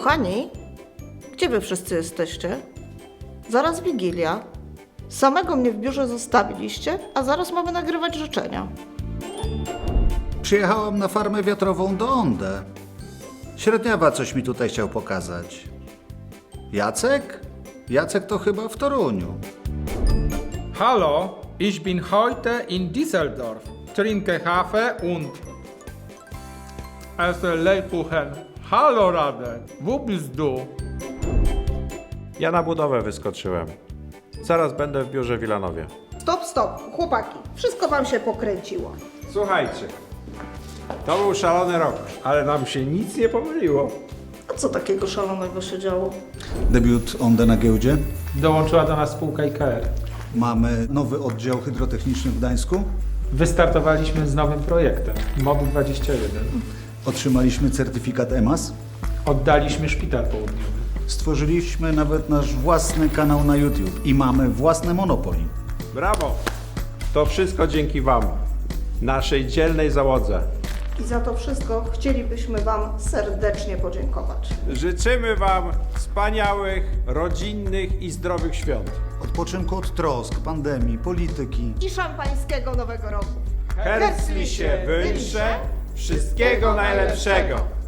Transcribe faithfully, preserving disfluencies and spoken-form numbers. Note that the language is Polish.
Kochani, gdzie wy wszyscy jesteście? Zaraz Wigilia. Samego mnie w biurze zostawiliście, a zaraz mamy nagrywać życzenia. Przyjechałam na farmę wiatrową do Ondę. Średniawa coś mi tutaj chciał pokazać. Jacek? Jacek to chyba w Toruniu. Hallo, ich bin heute in Düsseldorf. Trinke Kaffee und esse Lebkuchen. Hallo Radek, wo bist du? Ja na budowę wyskoczyłem. Zaraz będę w biurze w Wilanowie. Stop, stop, chłopaki, wszystko wam się pokręciło. Słuchajcie, to był szalony rok, ale nam się nic nie pomyliło. A co takiego szalonego się działo? Debiut Ondę na giełdzie. Dołączyła do nas spółka I K R. Mamy nowy oddział hydrotechniczny w Gdańsku. Wystartowaliśmy z nowym projektem, MOB dwadzieścia jeden. Otrzymaliśmy certyfikat E M A S. Oddaliśmy szpital południowy. Stworzyliśmy nawet nasz własny kanał na YouTube i mamy własne Monopoly. Brawo! To wszystko dzięki Wam, naszej dzielnej załodze. I za to wszystko chcielibyśmy wam serdecznie podziękować. Życzymy Wam wspaniałych, rodzinnych i zdrowych świąt. Odpoczynku od trosk, pandemii, polityki. I szampańskiego Nowego Roku. Herzliche Wünsche, wszystkiego najlepszego!